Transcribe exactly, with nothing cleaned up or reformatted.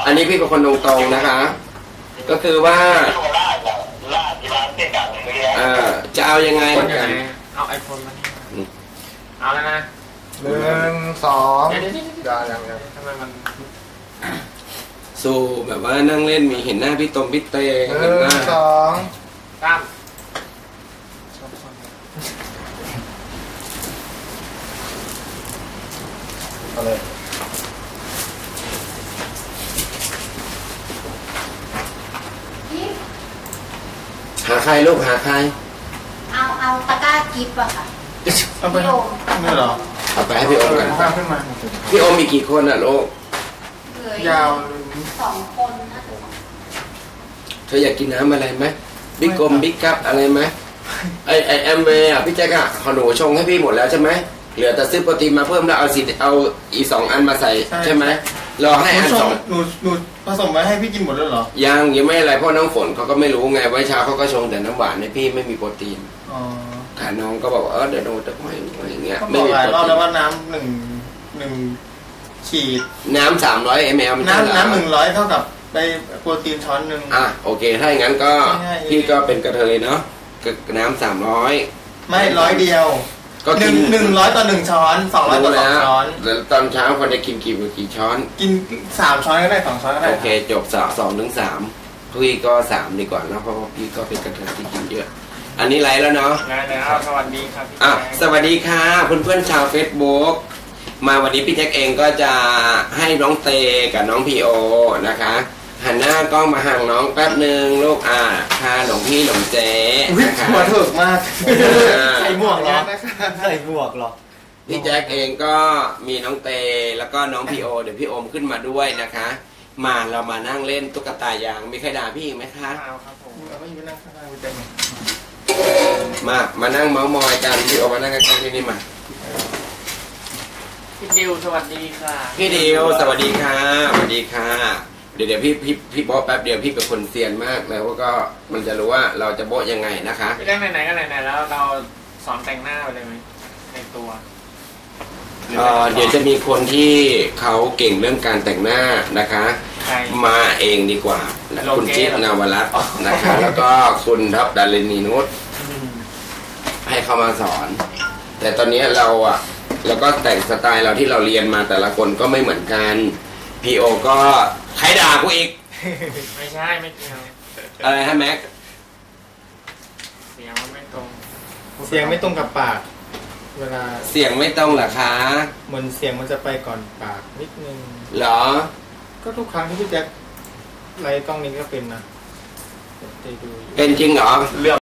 อันนี้พี่เป็นคนตรงๆนะคะก็คือว่าเออจะเอายังไงกันเอาไอโฟนมาเอาแล้วนะหนึ่งสองเดี๋ยวยังยังทำไมมันสู้แบบว่านั่งเล่นมีเห็นหน้าพี่ตมพี่เตงหนึ่งสองตามเอาเลยหาใครลูกหาใครเอาเอาตะกร้ากิฟต์อะค่ะเอาไปไม่หรอเอาไปให้พี่โอมกันขึ้นมาพี่โอมมีกี่คนอ่ะลูกยาวสองคนนะเธออยากกินน้ำอะไรไหมบิ๊กกลมบิ๊กคัพอะไรไหมไอไอแอมเวย์อ่ะพี่แจ๊กอ่ะขอหนูชงให้พี่หมดแล้วใช่ไหมเหลือแต่ซื้อโปรตีนมาเพิ่มแล้วเอาสีเอาอีสองอันมาใส่ใช่ไหมรอให้อันสองหนูหนูผสมไว้ให้พี่กินหมดแล้วเหรอยังยังไม่อะไรเพราะน้องฝนเขาก็ไม่รู้ไงไว้เช้าเขาก็ชงแต่น้ำหวานให้พี่ไม่มีโปรตีนค่ะน้องก็บอกเออเดี๋ยวโดนตะไคร้อะไรอย่างเงี้ยไม่มีโปรตีนรอบแล้วว่าน้ำหนึ่งหนึ่งขีดน้ำสามร้อยมลน้ำน้ำหนึ่งร้อยเท่ากับไปโปรตีนช้อนหนึ่งอ่ะโอเคถ้าอย่างนั้นก็พี่ก็เป็นกระเทยเนาะน้ำสามร้อยไม่ร้อยเดียวก็หนึ่งหนึ่งร้อยต่อหนึ่งช้อนสองร้อยต่อสองช้อนแล้วตอนเช้าคนจะกินกี่กี่ช้อนกินสามช้อนก็ได้สองช้อนก็ได้โอเคจบสองสองถึงสามพี่ก็สามดีกว่าแล้วเพราะพี่ก็เป็นกระเทยที่กินเยอะอันนี้ไลฟ์แล้วเนาะไลฟ์แล้วสวัสดีครับอ่ะสวัสดีค่ะเพื่อนเพื่อนชาว Facebook มาวันนี้พี่แจ็คเองก็จะให้น้องเตกับน้องพีโอนะคะหันหน้ากล้องมาห่างน้องแป๊บหนึ่งลูกอ่าพาหลวงพี่หลวงเจ๊นะคะหัวถึกมากใส่หมวกหรอใส่หมวกหรอพี่แจ็คเองก็มีน้องเตแล้วก็น้องพีโอเดี๋ยวพี่โอมขึ้นมาด้วยนะคะมาเรามานั่งเล่นตุ๊กตายางมีใครด่าพี่อีกไหมคะครับผมเราไม่ยืนนั่งข้างๆไปเต็มมามานั่งเมาส์มอยกันพี่โอมานั่งกันที่นี่มาพี่ดิวสวัสดีค่ะพี่ดิวสวัสดีค่ะสวัสดีค่ะเดี๋ยวเดี๋ยวพี่พี่พี่โบ๊ะแป๊บเดียวพี่เป็นคนเซียนมากแล้วก็มันจะรู้ว่าเราจะโบ๊ะยังไงนะคะไม่ได้ไหนๆก็ไหนๆแล้วเราสอนแต่งหน้าไปเลยไหมในตัวเอ่อเดี๋ยวจะมีคนที่เขาเก่งเรื่องการแต่งหน้านะคะมาเองดีกว่าคุณจิ๊บนาวรัตน์นะคะแล้วก็คุณทัพดารินีนุชให้เขามาสอนแต่ตอนนี้เราอ่ะแล้วก็แต่งสไตล์เราที่เราเรียนมาแต่ละคนก็ไม่เหมือนกันพีโอก็ใครด่ากูอีกไม่ใช่ไม่เกี่ยวอะไรฮะแม็กเสียงมันไม่ตรงเสียงไม่ตรงกับปากเวลาเสียงไม่ตรงเหรอคะเหมือนเสียงมันจะไปก่อนปากนิดนึงเหรอก็ทุกครั้งที่พี่แจ็คไลฟ์กล้องนี้ก็เป็นนะเป็นจริงเหรอ